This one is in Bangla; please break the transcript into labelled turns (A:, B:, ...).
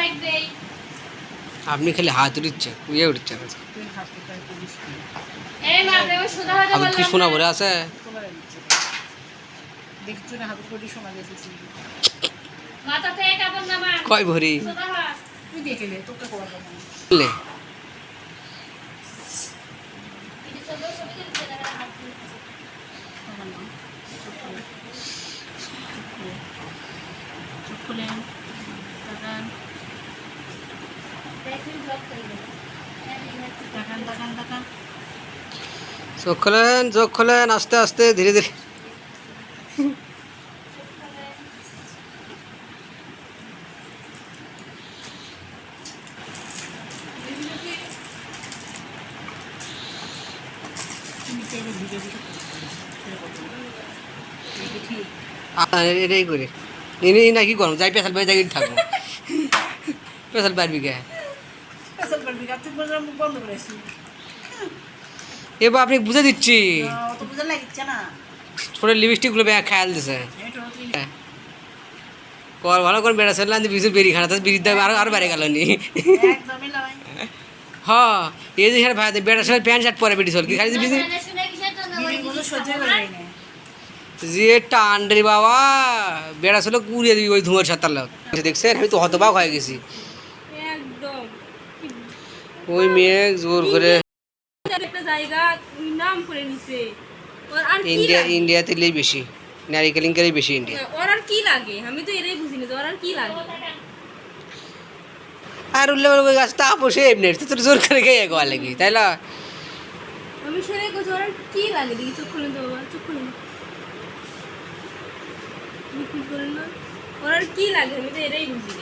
A: আপনি খালি হাত উঠছে উড়ে উঠছে আপনি কি সোনা ভরে আছে কয় ভরি চোখ খোলেন আস্তে আস্তে ধীরে ধীরে এটাই করে নাকি করো যাই পেশাল বাড়ি যাই থাকবো পেশাল পারবি কে এবার আপনি বুঝে দিচ্ছি ছোট লিপস্টিক গুলো খেয়াল দিছে কর ভালো করে বেড়া চললাম বিজুর বেরি খানা বিড়ির দাম আরো বেড়ে গেল নি হ্যাঁ এই যে ভাই বেড়া চলে প্যান্ট শার্ট পরে বেটি চল কি খালি বিজুর যে টান রে বাবা বেড়া চলে কুড়িয়ে দিবি ওই ধুঁয়ার সাঁতার লোক দেখছেন আমি তো হতবাক হয়ে গেছি ওই মেয়ে জোর করে ইন্ডিয়াতে বেশি নারী কেলেঙ্কারি বেশি ইন্ডিয়া
B: ওর আর কি লাগে আমি তো এটাই বুঝিনি ওর আর কি লাগে
A: আর উল্লে ওই গাছটা বসে এমনি তোর জোর করে খেয়ে গোয়া লাগি তাই না
B: আমি সেটাই বলছি ওর আর কি লাগে দেখি চোখ খুলেন তো বাবা চোখ খুলেন ওর আর কি লাগে আমি তো এটাই বুঝি